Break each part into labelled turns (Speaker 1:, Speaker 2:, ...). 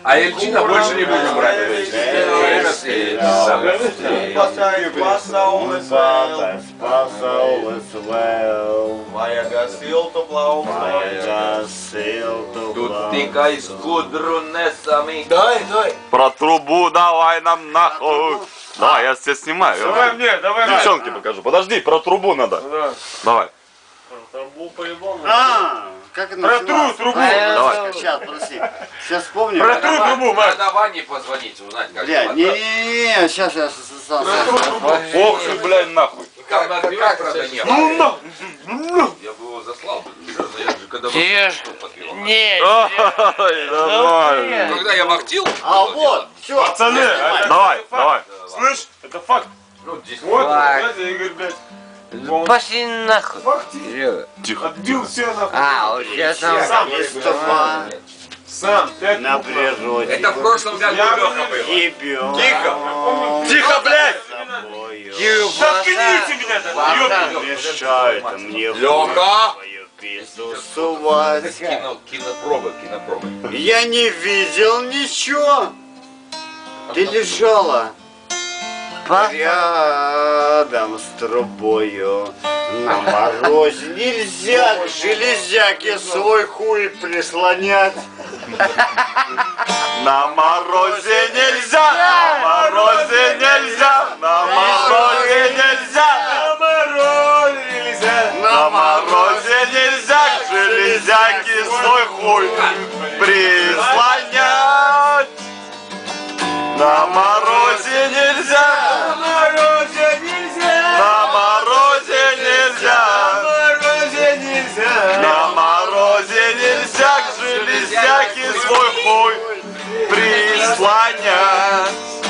Speaker 1: А Эльчина больше не будем брать. Тут тыкай с кудрунесами.
Speaker 2: Дай.
Speaker 3: Про трубу давай нам нахуй. Давай, я тебя снимаю.
Speaker 2: Давай мне, давай.
Speaker 3: Девчонке покажу. Подожди, про трубу надо.
Speaker 2: Да.
Speaker 3: Давай.
Speaker 2: Трубу по-любому.
Speaker 4: Как это
Speaker 2: Про
Speaker 4: называется?
Speaker 2: трубу.
Speaker 3: Давай.
Speaker 4: Сейчас, подожди. Сейчас вспомню.
Speaker 2: Про трубу, Маш.
Speaker 1: Надо Ване позвонить, узнать, как
Speaker 4: Бля,
Speaker 1: его.
Speaker 4: не, сейчас.
Speaker 3: Ох ты, блядь, нахуй.
Speaker 1: Как надбивать, правда, не было. Я бы его заслал. Я же когда
Speaker 5: Не,
Speaker 3: Ой, нормально.
Speaker 1: Когда я вахтил,
Speaker 4: А вот, все.
Speaker 2: Пацаны,
Speaker 3: Давай.
Speaker 2: слышь, это факт.
Speaker 1: ну, 10
Speaker 2: Вот,
Speaker 5: Факт.
Speaker 2: знаете, Игорь, блядь,
Speaker 5: пошли нахуй.
Speaker 3: Тихо.
Speaker 2: отбил все нахуй.
Speaker 5: А, вот сейчас
Speaker 2: Сам.
Speaker 4: Листва
Speaker 2: Сам, 5
Speaker 4: на
Speaker 2: минут.
Speaker 4: природе.
Speaker 1: Это в прошлом году Леха был.
Speaker 4: Ебем.
Speaker 3: Тихо, блядь.
Speaker 2: Заткните меня там,
Speaker 4: Мешает мне
Speaker 1: Лёха!
Speaker 4: свою песню сувать.
Speaker 1: Кинопробы.
Speaker 4: Я не видел ничего. Ты лежала рядом с трубою. На морозе нельзя к железяке свой хуй прислонять.
Speaker 3: На морозе нельзя, на морозе нельзя, на морозе нельзя, на морозе нельзя к железяке свой хуй прислонять. На морозе нельзя, на морозе нельзя, на морозе нельзя, на морозе нельзя к железяке свой хуй прислонять.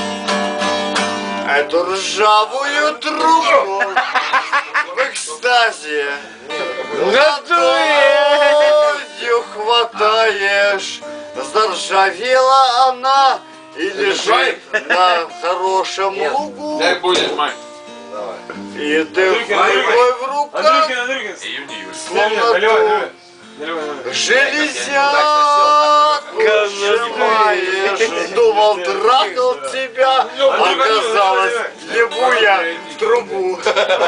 Speaker 4: Эту ржавую трубу в экстазе ладонью хватаешь. Заржавела она и лежит на хорошем лугу.
Speaker 1: Дай будет, мать.
Speaker 4: И ты рукой в руках
Speaker 2: Андрюхин.
Speaker 4: словно железяку сжимаешь. Думал, трахал тебя, оказалось, ебу я в трубу.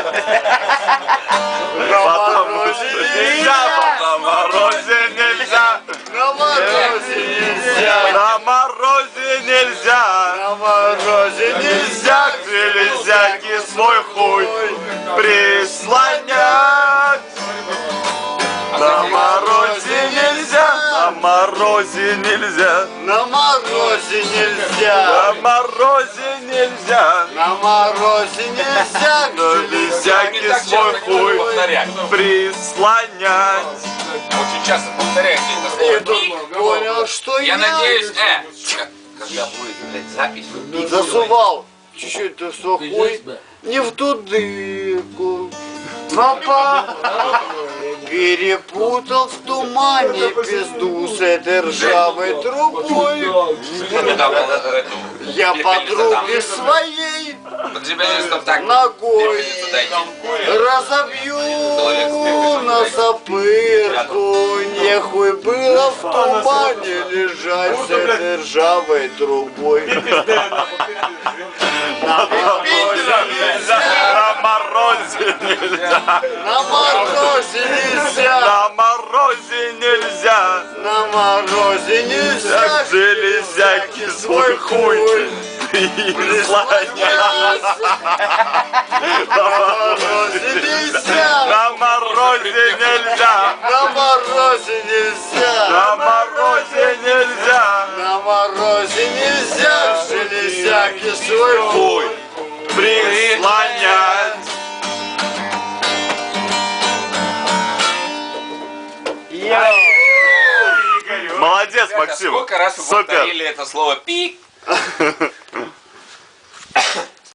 Speaker 4: На морозе нельзя,
Speaker 3: На морозе нельзя,
Speaker 4: на морозе нельзя,
Speaker 3: на морозе нельзя,
Speaker 4: на морозе
Speaker 3: нельзя к железяке свой хуй прислонять. На морозе нельзя, на морозе нельзя,
Speaker 4: на морозе нельзя,
Speaker 3: на морозе нельзя,
Speaker 4: на морозе нельзя,
Speaker 3: к железяке свой хуй прислонять.
Speaker 1: Очень часто повторяете это
Speaker 4: И
Speaker 1: слово.
Speaker 4: тут понял, что
Speaker 1: Я надеюсь, когда будет, блядь, запись, вы
Speaker 4: засувал чуть-чуть ты свой хуй не в ту дырку. Папа перепутал в тумане пизду с этой ржавой трубой. Я подруге своей ногой разобью на запырку. Нехуй было в тумане лежать с этой ржавой трубой.
Speaker 3: На морозе нельзя,
Speaker 4: На морозе нельзя,
Speaker 3: на морозе нельзя,
Speaker 4: на морозе нельзя
Speaker 3: к железяке свой хуй прислонять.
Speaker 4: На морозе нельзя,
Speaker 3: На морозе нельзя,
Speaker 4: на морозе нельзя,
Speaker 3: на морозе нельзя,
Speaker 4: на морозе нельзя к железяке свой хуй.
Speaker 3: прислонять. Молодец, Максим.
Speaker 1: Сколько раз вы
Speaker 3: Супер.
Speaker 1: повторили это слово пик?